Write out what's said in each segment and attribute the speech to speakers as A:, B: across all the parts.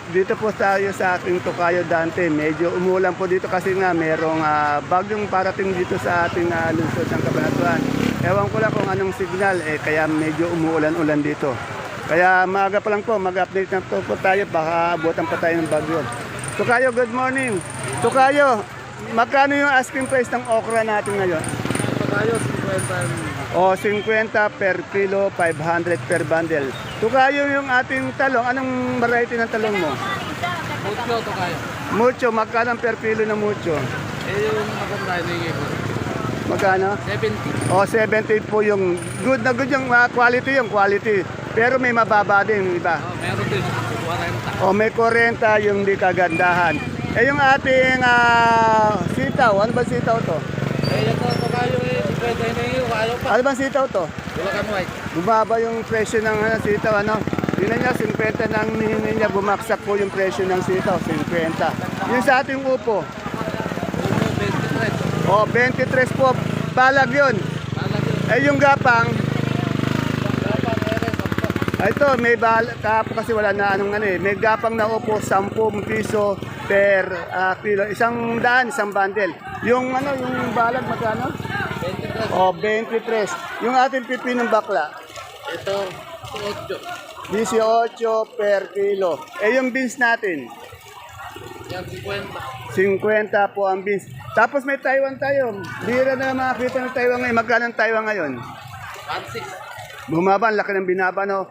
A: dito po tayo sa ating Tokayo Dante. Medyo umulan po dito kasi nga merong bagyong parating dito sa ating lungsod ng Cabanatuan. Ewan ko lang kung anong signal, kaya medyo umuulan-ulan dito. Kaya maaga pa lang po, mag-update na po tayo, baka abutan pa tayo ng bagyo. Tokayo, good morning. Tokayo, magkano yung asking price ng okra natin ngayon?
B: Tokayo, 50.
A: O, 50 per kilo, 500 per bundle. Tukayo yung ating talong. Anong variety ng talong mo?
B: Mucho, Tokayo.
A: Mucho. Magkano per kilo na mucho?
B: Yung maganda yung ko.
A: Magkano?
B: 70.
A: O, 70 po yung good na good yung quality yung quality. Pero may mababa din yung iba.
B: Meron din. 40.
A: O, may 40 yung di kagandahan. Yung ating sitaw. Ano ba sitaw to?
B: Ito, Tokayo, 50 na yung ayaw pa.
A: Ano ba sitaw to?
B: Bulacan White.
A: Bumaba yung presyo ng sitaw, ano? Tingnan niya, 50 nang hinihingi niya, bumaksak po yung presyo ng sitaw, 50. Yung sa ating upo,
B: 23.
A: o 23 po, balag yun. Yung gapang, ito, may balag, kapo kasi wala na anong may gapang na upo, 10 piso per kilo, 100, isang bundle. Yung yung balag magkano?
B: 23.
A: O, 23. Yung ating pipinong bakla,
B: Ito, 8.
A: 18 per kilo. Yung beans natin,
B: Yan, 50.
A: 50 po ang beans. Tapos may Taiwan tayo. Bira na makakita ng Taiwan ngayon. Magkano ang Taiwan ngayon?
B: 16.
A: Bumaba, ang laki ng binaba, no?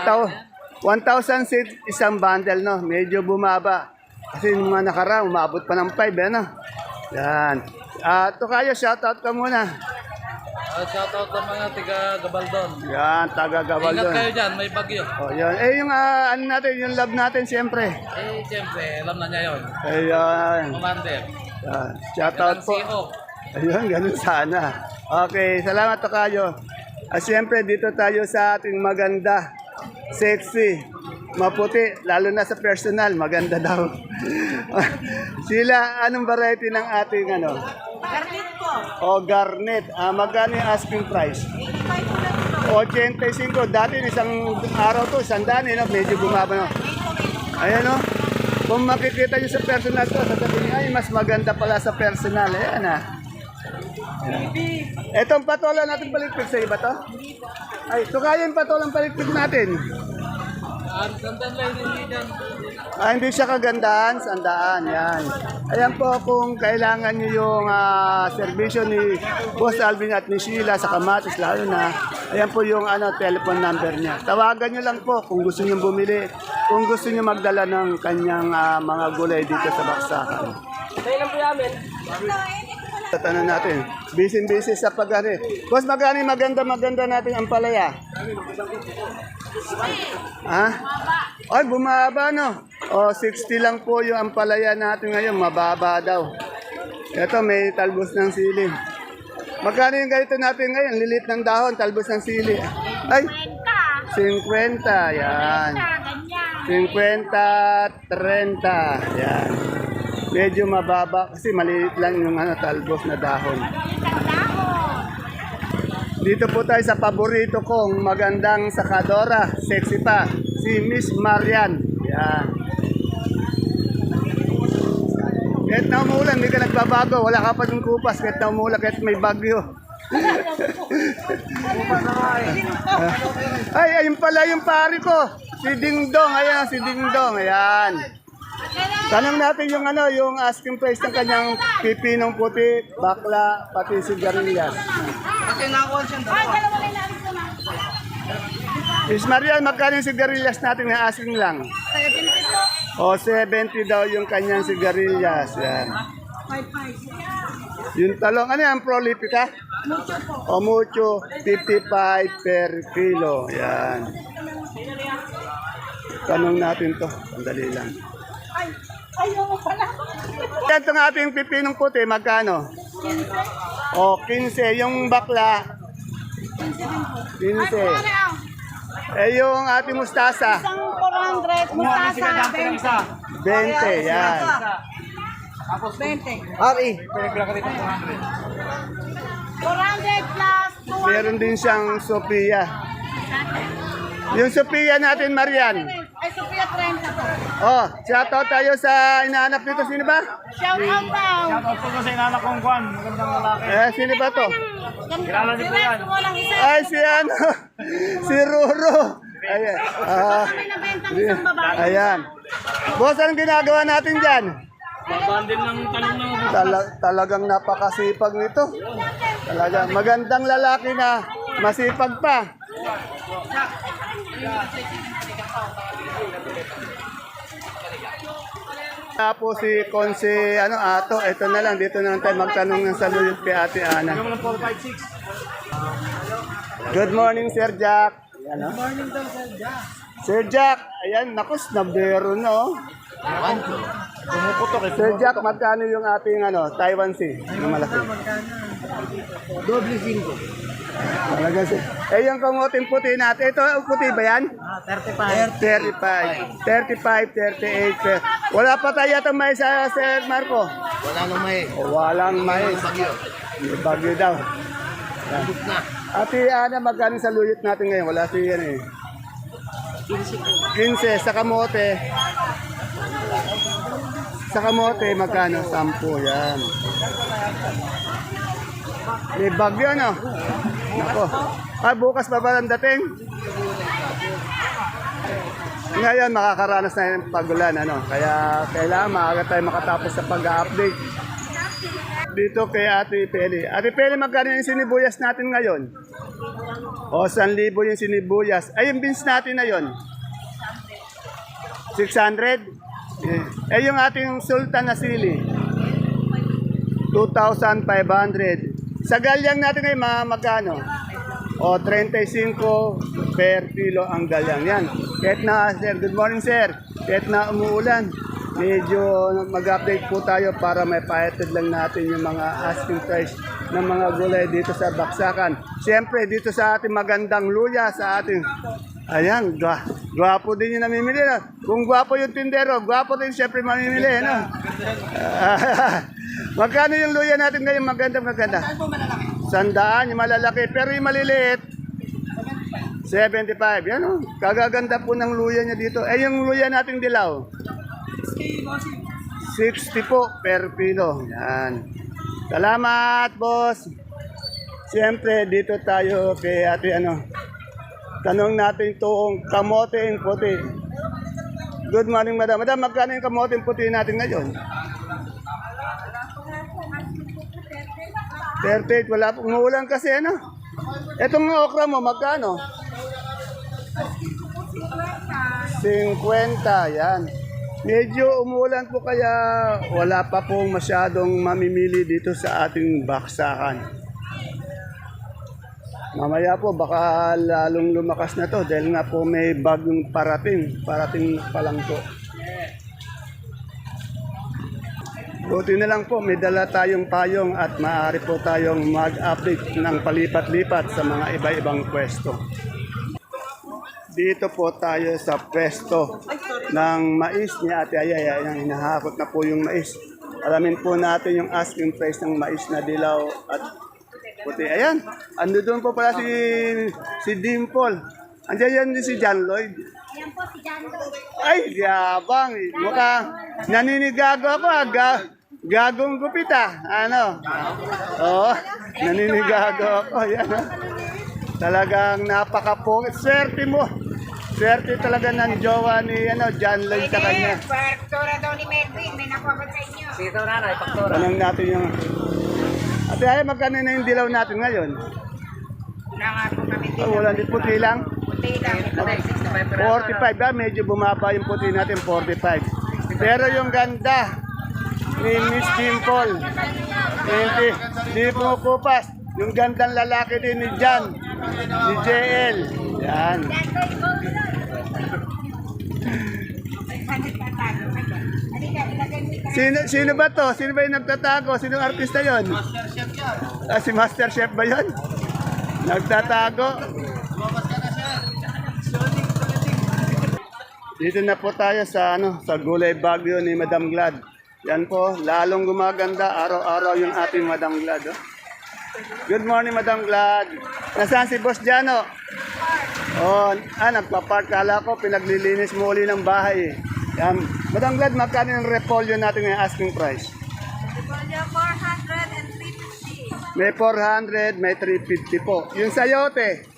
A: 1,000 isang bundle, no? Medyo bumaba. Kasi yung mga nakaraan, umabot pa ng 5, ano? Yan. Tokayo, shoutout ka muna.
B: Shoutout sa mga tiga Gabaldon.
A: Yan, taga
B: Ingat
A: Gabaldon.
B: kayo dyan, may bagyo.
A: Oh, yan. Yung ano natin, yung love natin, siyempre.
B: Siyempre, alam na niya yun.
A: Ayan.
B: Commander.
A: Yan. Shoutout po.
B: CEO.
A: Ayun, ganun sana. Okay, salamat Tokayo. Siyempre, dito tayo sa ating maganda, sexy, maputi, lalo na sa personal, maganda daw. Sila, anong variety ng ating
C: Garnet po.
A: O garnet. Magkano yung asking price?
C: 85 po
A: 85.
C: lang ito.
A: Dati isang araw to, 100, medyo bumaba na. Ayan o. Kung makikita nyo sa personal to, sasabihin ay mas maganda pala sa personal. Ayan Etong patola natin paligpit sa iba to? Ay, ito kaya yung patolang paligpit natin.
B: Sandan lang hindi dyan.
A: Hindi siya kagandahan, sandaan, yan. Ayan po kung kailangan nyo yung serbisyo ni Boss Alvin at ni Sheila sa Kamatis, lalo na, ayan po yung telephone number niya. Tawagan nyo lang po kung gusto nyo bumili, kung gusto nyo magdala ng kanyang mga gulay dito sa Baksakan. Tatanong natin, busy sa pag-ari. Boss, magkano yung maganda natin ang palaya? Ay, bumaba no. 60 lang po yung ampalaya natin ngayon, mababa daw. Ito, may talbos ng sili. Magkano yung ganito natin ngayon? Lilit ng dahon, talbos ng sili. Ay, 50, yan. 50, 30, yan. Medyo mababa kasi maliit lang yung talbos na dahon. Dito po tayo sa paborito kong magandang sakadora, sexy pa, si Miss Marian. Yan. Kahit na umulan, hindi ka nagbabago, wala ka pa ng kupas, kahit na umulan, kahit may bagyo. Ayun pala yung pari ko, si Dingdong, ayan, si Dingdong, ayan. Tanong natin yung yung asking price ng kanyang pipinong puti, bakla, pati sigarilyas. Miss Marian, magkano yung sigarilyas natin na asking lang?
C: 70 po.
A: 70 daw yung kanyang sigarilyas. Yan.
C: 55.
A: Yung talong, ano yan, prolifica?
C: Mucho po.
A: Mucho, 55 per kilo. Yan. Tanong natin to, sandali lang.
C: Ayaw mo pala.
A: Yan itong ating pipinong puti, magkano?
C: 15.
A: 15. Yung bakla, 15. Yung ating mustasa,
C: Isang 400. Mustasa.
A: 20. Yan.
C: 20.
A: Ari,
C: 400 plus 200.
A: meron din siyang Sophia. Yung Sophia natin, Marian,
C: Kay Sophia 30 po.
A: Oh, shoutout tayo sa inaanap dito. Sino ba?
C: Shout out daw.
B: Shoutout po sa inanak kong Juan. Magandang lalaki.
A: Sino ba to?
B: Kilala niyo po yan.
C: Walang isa.
A: Ay, si ano? Si Ruro. Ayan.
C: Kami nabentang isang babae.
A: Ayan. Boss, anong ginagawa natin dyan?
B: Babandin ng talong ng
A: Talagang napakasipag nito. Talagang magandang lalaki na masipag pa. Tapos si Konse, Ato, ito na lang, dito na lang tayo magtanong ng saluyot kay Ate Ana.
B: Yung 456.
A: Good morning, Sir Jack. Ayan, Good morning daw, Sir Jack. Sir Jack, ayan, nakus, nabero na, oh.
B: Pumuputok eh.
A: Sir Jack, magkano yung ating Taiwan Sea? Yung malaki.
B: Doble 5.
A: Talaga sir. Yung kamuting puti natin, ito puti ba yan?
B: 35.
A: 35, 38, sir. Wala pa tayo itong mais, Sir Marco.
B: Wala nang may.
A: Walang mais.
B: Bagyo.
A: May bagyo daw. Yan.
B: Na.
A: Ate Ana, magkano sa luyot natin ngayon? Wala siya yan eh. 15 sa kamote. Sa kamote, magkano? 10 yan. May bagyo, Nako. Bukas pa ba ang dating? Ngayon, makakaranas na yung pagulan, Kaya kailangan maaga tayo makatapos sa pag-update. Dito kay Ate Peli. Ate Peli, magkano yung sinibuyas natin ngayon? O, 1,000 yung sinibuyas. Ay, yung beans natin na yun? 600? Yung ating sultan na sili? 2,500. Sa galyang natin ngayon, magkano? O, 35 per kilo ang galyang. Yan. Kahit na, sir, good morning, sir. Kahit na umuulan, medyo mag-update po tayo para may pahatid lang natin yung mga asking price ng mga gulay dito sa Baksakan. Siyempre, dito sa ating magandang luya, sa ating, ayan, gwapo din yung namimili. Kung gwapo yung tindero, gwapo din siyempre mamimili. Magkano yung luya natin ngayon? Maganda. 100, yung malalaki. Pero yung maliliit, 75. Yan kagaganda po ng luya niya dito. Yung luya nating dilaw? 60 po per kilo. Yan. Salamat, boss. Siyempre, dito tayo kay ate tanong natin itong kamote puti. Good morning, madam. Madam, magkano yung kamote puti natin ngayon? 38, wala po. Umuulan kasi, Itong okra mo, magkano? 50, yan. Medyo umuulan po kaya wala pa pong masyadong mamimili dito sa ating baksakan. Mamaya po baka lalong lumakas na to dahil nga po may bagong parating pa lang po. Buti na lang po, may dala tayong payong at maaari po tayong mag-update ng palipat-lipat sa mga iba-ibang pwesto. Dito po tayo sa pwesto ng mais ni Ate Ayay. Ayan, hinahakot na po yung mais. Alamin po natin yung asking price ng mais na dilaw at puti. Ayan, ando doon po pala si Dimple. Andiyan yan si John Lloyd.
C: Yan po si John Lloyd.
A: Ay, yabang. Mukhang naninigago ako. Gagong gupit Oo, naninigago ako. Yan, Talagang napaka-pungit. Swerte mo. Swerte talaga ng jowa ni John Lloyd sa kanya.
C: Paktora daw ni Melvin. May nakuha sa inyo.
B: Sito nanay, paktora.
A: Tanong natin yung... Ate ay, magkano na yung dilaw natin ngayon?
C: Wala nga po kami
A: Oh, wala din puti lang.
C: Puti lang.
A: 45 medyo bumaba yung puti natin, 45. Pero yung ganda ni Miss Dimple, hindi pumukupas. Yung gandang lalaki din ni Jan, ni JL. Yan. Sino ba to? Sino ba yung nagtatago? Sino artista yon? Si Master Chef ba yon? Nagtatago. Dito na po tayo sa sa Gulay Bagyo ni Madam Glad. Yan po, lalong gumaganda araw-araw yung ating Madam Glad. Good morning, Madam Glad. Nasaan si Boss Jano? Oh, nagpa-park. Kala ko, pinaglilinis mo uli ng bahay. Yan. Madam Glad, magkano yung repolyo natin ngayon asking price?
C: Repolyo 400 and 350.
A: May 400, may 350 po. Yung sayote,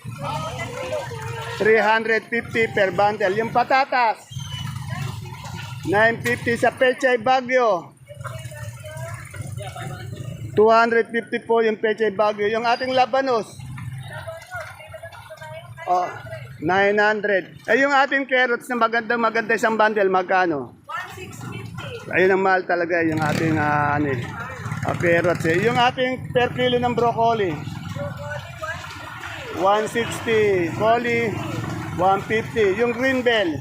A: 350 per bundle. Yung patatas, 950 sa Pechay Bagyo. 250 po yung Pechay Bagyo. Yung ating labanos, 900. Yung ating carrots na maganda isang bundle, magkano?
C: 1650.
A: Ayun ang mahal talaga yung ating carrots. Yung ating per kilo ng broccoli, 160. Coli, 150. Yung green bell,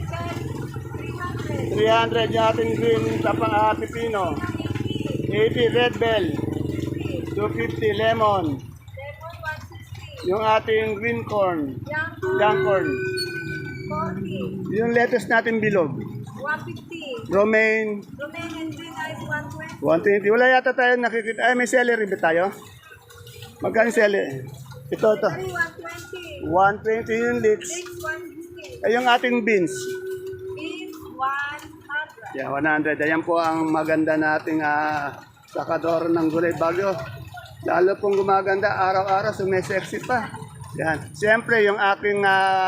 A: 300. Yung ating green pipino, 80. Red bell, 250. Lemon. Yung ating green corn, young corn.
C: 40.
A: Yung lettuce natin bilog,
C: 150.
A: romaine,
C: Romanian green ice 120.
A: 120. Wala yata tayo nakikita. Ay, may celery ba tayo? Magkano celery? Ito.
C: 120.
A: 120 yung leeks.
C: 150.
A: Ay, yung ating beans.
C: Beef 100.
A: Yeah, 100. Ayan po ang maganda nating sakador ng gulay bagyo. Lalo pong gumaganda, araw-araw sumesexy pa. Yan. Siyempre, yung aking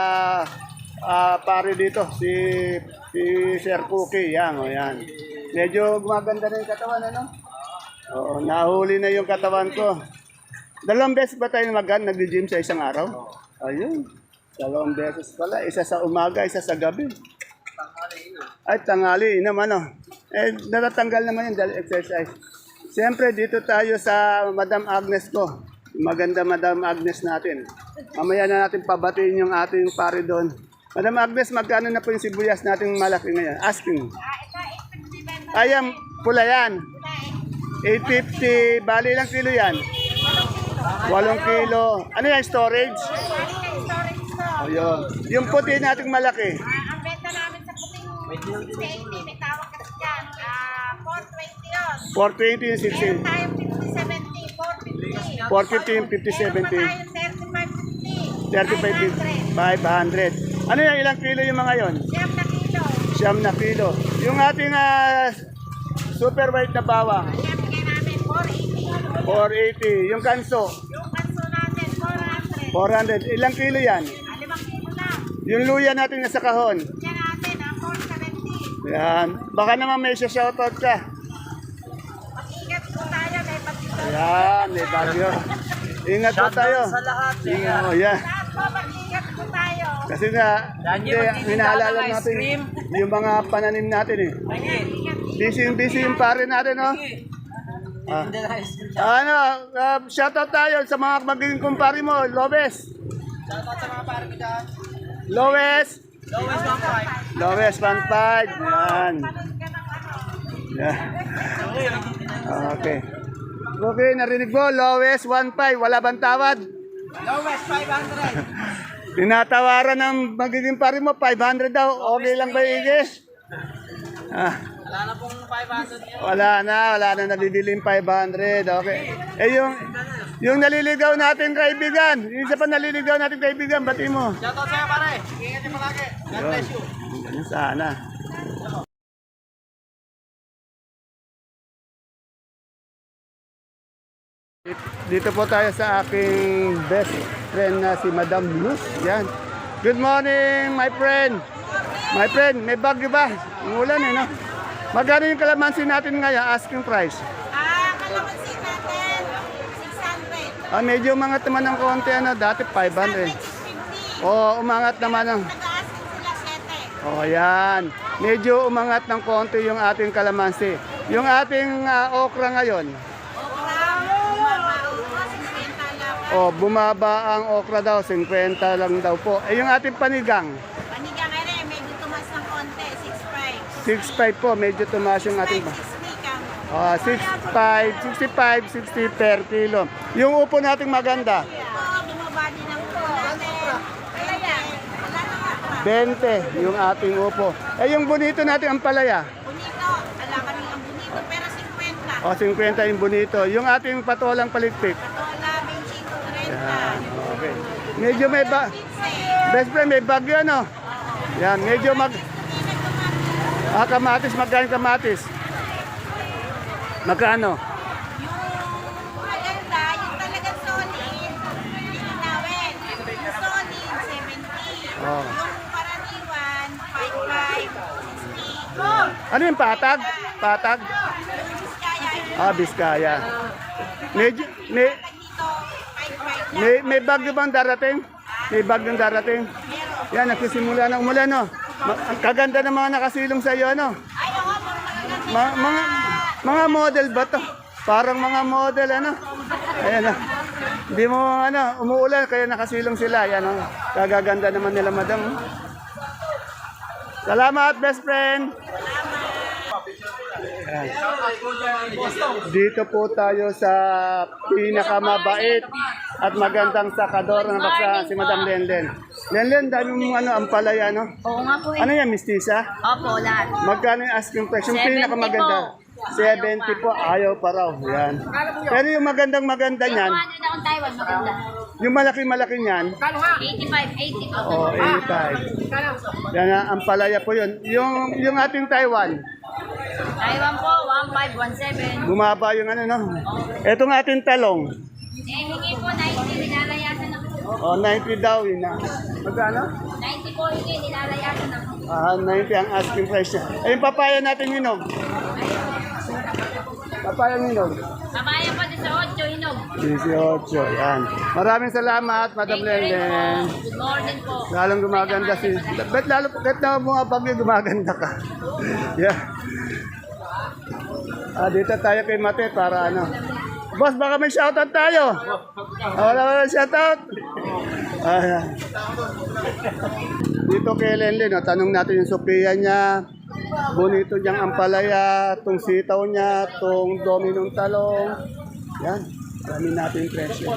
A: pare dito, si Sir Cookie. Yan, yan. Medyo gumaganda na yung katawan, ano? Oo, nahuli na yung katawan ko. 2 beses ba tayo nag-gym sa isang araw? Ayun. 2 beses pala. Isa sa umaga, isa sa gabi. Ay, tanghali naman, ano. Natatanggal naman yun dahil exercise. Siyempre, dito tayo sa Madam Agnes ko. Maganda Madam Agnes natin. Mamaya na natin pabatiin yung ating pare doon. Madam Agnes, magkano na po yung sibuyas natin malaki ngayon? Asking.
C: Ito 850 benta.
A: Ayam, pula yan. 850. Bali ilang kilo yan? 8 kilo. Ano yan, storage?
C: Storage to.
A: Ayun. Yung puti nating malaki.
C: Ang benta namin sa puting 680, may tawag kasi dyan. 420 yun.
A: 420 yung
C: Meron
A: 60.
C: tayong 50-70, 450.
A: 450 yung 50-70.
C: Meron pa tayong 35-50,
A: 500. Ano yan, ilang kilo yung mga yon?
C: 5 na kilo.
A: 9 na kilo. Yung ating super white na bawang,
C: Kaya bigay namin 480.
A: 480. Yung kanso,
C: Yung kanso natin, 400.
A: 400. Ilang kilo yan?
C: 5 kilo lang.
A: Yung luya natin nasa kahon.
C: Yan natin, 470.
A: Yan. Baka naman may shoutout ka.
C: Mag-ingat po tayo, may patito.
A: Yan, may bagyo. Ingat po tayo.
B: sa lahat.
A: Ingat mo, yan.
C: Lahat po, mag-ingat po tayo.
A: Kasi nga,
B: Daniel,
A: hindi,
B: magtitinda
A: hinaalala
B: ng ice
A: natin
B: cream.
A: yung mga pananim natin eh. Busy yung pare natin, no? Shoutout tayo sa mga magiging kumpare mo, Lobes.
B: Shoutout sa mga pare ko dyan.
A: Lowes.
B: Lowest 1.5.
A: Lowes 1.5. Yan. Yan. Okay. Okay, narinig mo, Lowes 1.5. Wala bang tawad?
B: Lowest 500.
A: Tinatawaran ng magiging pare mo, 500 daw. Okay lang ba, Igis?
B: Wala na pong 500 yun.
A: Wala na nabibiling 500. Okay. Yung naliligaw natin kaibigan, yung isa pa naliligaw natin kaibigan, bati mo.
B: Shoutout sa'yo pare. Ingat niyo palagi. God bless you.
A: Ganun sana. Dito po tayo sa aking best friend na si Madam Luz. Yan. Good morning, my friend. My friend, may bagyo ba? Umulan eh, no? Magkano yung kalamansi natin ngayon, asking price?
C: Kalamansi natin, 600.
A: Medyo umangat naman ng konti, ano, dati 500.
C: 650.
A: Umangat naman ng...
C: Nag-aaskin sila 7.
A: Yan. Medyo umangat ng konti yung ating kalamansi. Yung ating okra ngayon, bumaba ang okra daw, 50 lang daw po. Yung ating panigang,
C: Panigang ere, medyo tumas ng konti, 6.5.
A: 6.5 po, medyo tumaas yung ating...
C: 6.5.
A: 6.5, 60 per kilo. Yung upo nating maganda,
C: Bumaba din ang upo natin. Kaya yan, wala na nga.
A: 20 yung ating upo. Yung bonito natin ang palaya,
C: Bonito, wala kami ang bonito, pero 50.
A: 50 yung bonito. Yung ating patolang palikpik,
C: Patola, 25, 30.
A: yan, okay. Medyo may Best friend, may bagyo ano? Yan, medyo kamatis, magkano kamatis? Magkano?
C: Yung maganda, yung talagang solid, lilinawin. Yung solid, 70.
A: Oh.
C: Yung karaniwan, 55, 60.
A: Ano yung patag? Patag?
C: Yung Biskaya,
A: Biskaya. Medyo,
C: dito, 55 lang.
A: may bagyo bang darating? May bagyong darating?
C: Meron.
A: Yan, nagsisimula na umulan, no? Ang kaganda ng mga nakasilong sa iyo, no?
C: Ay, oo, magaganda.
A: Mga model ba to? Parang mga model, ano? Ayan, no? Hindi mo, umuulan, kaya nakasilong sila. Yan, no? Kagaganda naman nila, madam. Salamat, best friend! Ayan. Dito po tayo sa pinakamabait at magandang sakador ng baksa, si Madam Lenlen. Lenlen, dami mong ampalaya, no?
D: Oo nga po eh.
A: Ano yan, mistisa?
D: Opo, lahat.
A: Magkano yung asking price? Yung
D: 70
A: pinakamaganda?
D: po.
A: 70 po, ayaw pa raw. Yan. Pero yung magandang maganda niyan,
D: Ano na akong Taiwan, maganda.
A: yung malaki-malaki niyan,
D: 85, 80 po.
A: oh, 85. Yan ang ampalaya po yun. Yung ating Taiwan,
D: Taiwan po, 15, 17.
A: bumaba yung ano, no? Etong ating talong,
D: Eh, hingi po, 90, nilalayasan na po.
A: oh, 90 daw yun na. Magkano?
D: 90 po, hingi, nilalayasan na po.
A: 90 ang asking price niya. Eh, yung papaya natin hinog. Papaya hinog.
D: Kabaya po, 18, hinog.
A: 18, yan. Maraming salamat, Madam Lenlen.
D: Good morning po.
A: Lalong gumaganda si... Bet lalo kahit na mga bagyo gumaganda ka. Yeah. Dito tayo kay Mate para ano. Boss, baka may shoutout tayo. Wala ba shoutout? Ayan. Dito kay Lenlen, tanong natin yung Sophia niya. Bonito niyang ampalaya, tong sitaw niya, tong dominong talong. Yan. Dami natin yung presyo.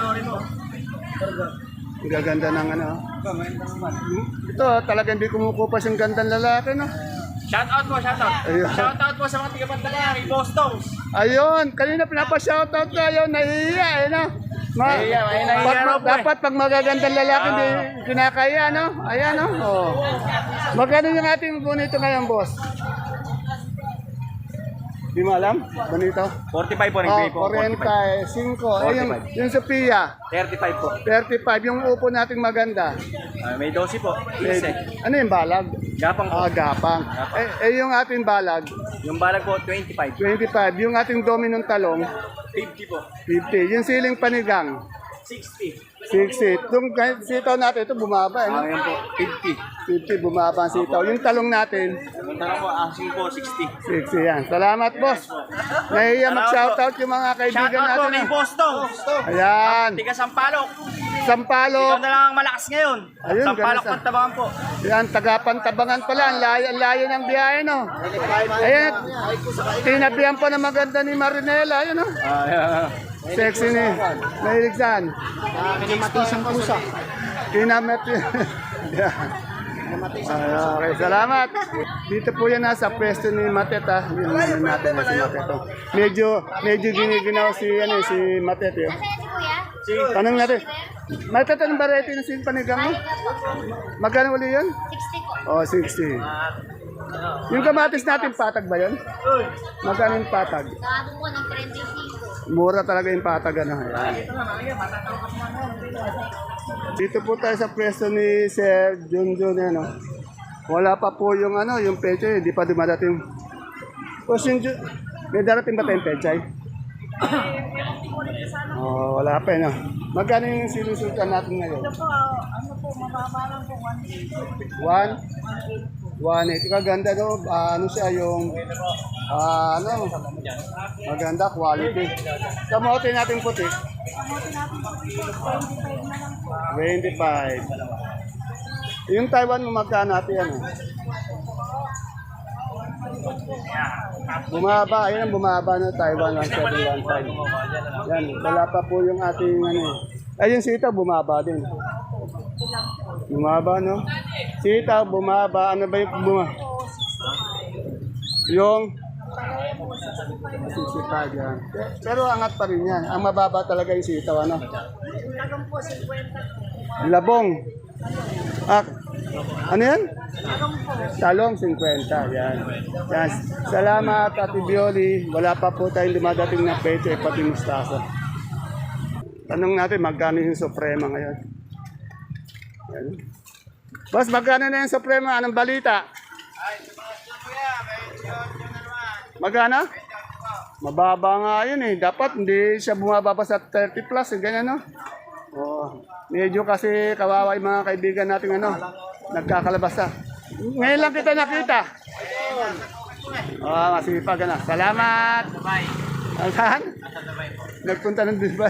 A: Ang gaganda ng ano. Ito, talagang hindi kumukupas yung gandang lalaki, no?
B: Shoutout po, shoutout.
A: Ayun.
B: Shoutout po sa mga tiga-Pantalari, Boston.
A: Ayun, kanina pinapa-shoutout na yun, nahihiya, eh, no?
B: Nahihiya, may nahihiya raw po, eh.
A: Dapat pag magagandang lalaki, hindi kinakaya, no? Ayan, no? Oh. Magkano yung ating bonito ngayon, boss? Di mo alam? Bonito?
B: 45 po,
A: Oh, 45. Eh, yung Sophia,
B: 35 po.
A: 35. Yung upo nating maganda.
B: May 12 po.
A: Eh, ano yung balag?
B: Gapang po.
A: Gapang. Yung ating balag,
B: Yung balag po, 25.
A: 25. Yung ating dominong talong,
B: 50 po.
A: 50. Yung siling panigang,
B: 60.
A: 60. Yung sitaw natin, ito bumaba. Eh,
B: Ayan po, 50.
A: 50, bumaba ang sitaw. Yung talong natin,
B: Yung tanong po, asking po, 60.
A: 60 yan. Salamat, boss. Nahiya mag-shoutout yung mga kaibigan
B: Shoutout po
A: natin.
B: kay Boston.
A: Ayan.
B: Tiga Sampalok.
A: Sampalo.
B: Ikaw na lang ang malakas ngayon.
A: Ayun,
B: Sampalok
A: ganun sa-
B: Pantabangan po.
A: Yan, taga-Pantabangan pala. Ang layo ng biyahe, no? Ayan, tinabihan pa na maganda ni Marinela. Ayun, no? Sexy ni. Mahilig saan?
B: Kinamatisang pusa.
A: Kinamet. Okay, salamat. Dito po yan nasa pwesto ni Matet, ha. Yun natin na si Matet. Oh. Medyo giniginaw si Matet. Yun.
D: Nasaan si kuya?
A: Tanong natin. Matet, anong variety ng sin panigang mo? Magkano uli yun?
D: 60 po.
A: Oh, 60. Yung kamatis natin, patag ba yun? Magkano yung patag?
D: Sa po ng 35.
A: Mura talaga yung patag, ano. Ayan. Dito po tayo sa pwesto ni Sir Junjun, ano. Wala pa po yung ano, yung pechay, hindi pa dumadating. O, may darating ba tayong pechay? Oh, wala pa, no. Magkano yung sinusultan natin ngayon?
C: mababa lang po,
A: 1? 1.8. Kaganda, no? Ano siya yung maganda quality. Kamote natin puti. 25. Yung Taiwan mo magkano natin ano? Bumaba, ayun ang bumaba na Taiwan 1715. Yan, wala pa po yung ating ano. Ayun sitaw bumaba din. Bumaba, no? Sitaw bumaba, ano ba yung bumaba? Yung 65 yan. Pero angat pa rin yan. Ang mababa talaga yung sitaw, ano? Labong. Ah, ano yan? Talong 50. Yan. Yan. Salamat, Ate Bioli. Wala pa po tayong dumadating na pecho pati mustasa. Tanong natin, magkano yung Suprema ngayon? Yan. Boss, magkano na yung Suprema? Anong balita? Magkano? Mababa nga yun eh. Dapat hindi siya bumababa sa 30 plus. Ganyan no? Oh, medyo kasi kawawa yung mga kaibigan natin nagkakalabasa. Ngayon lang kita nakita. Oh, masipag na. Salamat. Bye. Saan? Nagpunta ng Dubai.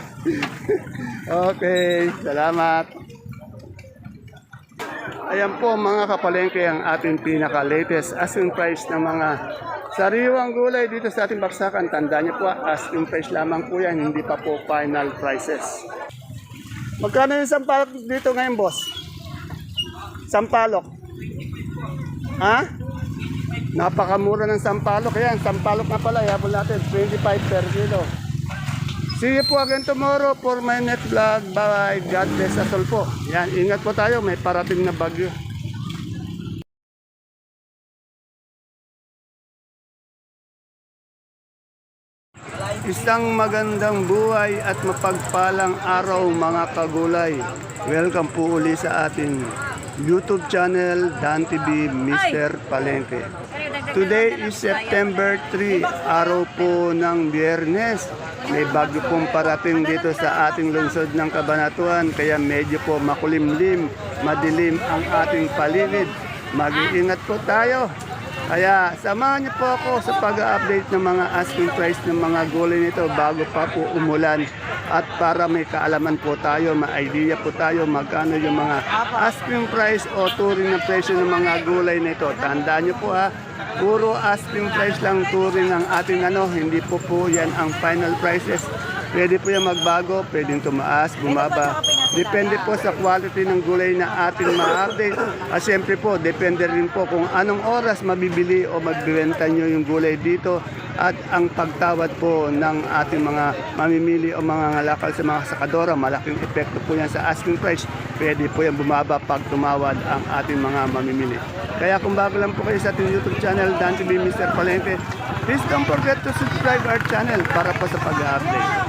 A: Okay, salamat. Ayan po mga kapalengke ang ating pinaka-latest asking price ng mga sariwang gulay dito sa ating baksakan. Tandaan niyo po, asking price lamang po yan, hindi pa po final prices. Magkano yung sampalok dito ngayon, boss? Sampalok? Ha? Napakamura ng sampalok. Ayan, sampalok na pala. Yabol natin, 25 per kilo. See you po again tomorrow for my next vlog. Bye. God bless us all po. Yan, ingat po tayo. May parating na bagyo. Isang magandang buhay at mapagpalang araw mga kagulay. Welcome po uli sa ating YouTube channel Dan TV Mr. Palengke. Today is September 3, araw po ng Biyernes. May bagyo pong parating dito sa ating lungsod ng Cabanatuan kaya medyo po makulimlim, madilim ang ating paligid. Mag-iingat po tayo. Kaya samahan niyo po ako sa pag-update ng mga asking price ng mga gulay nito bago pa po umulan at para may kaalaman po tayo, may idea po tayo magkano yung mga asking price o turing na presyo ng mga gulay nito. Tandaan niyo po ha, puro asking price lang turing ng ating hindi po yan ang final prices. Pwede po yan magbago, pwedeng tumaas, bumaba. Depende po sa quality ng gulay na ating ma-update. At siyempre po, depende rin po kung anong oras mabibili o magbibenta nyo yung gulay dito. At ang pagtawad po ng ating mga mamimili o mga ngalakal sa mga sakadora, malaking epekto po yan sa asking price. Pwede po yan bumaba pag tumawad ang ating mga mamimili. Kaya kung bago lang po kayo sa ating YouTube channel, Dan TV Mr. Palengke, please don't forget to subscribe our channel para po sa pag-update.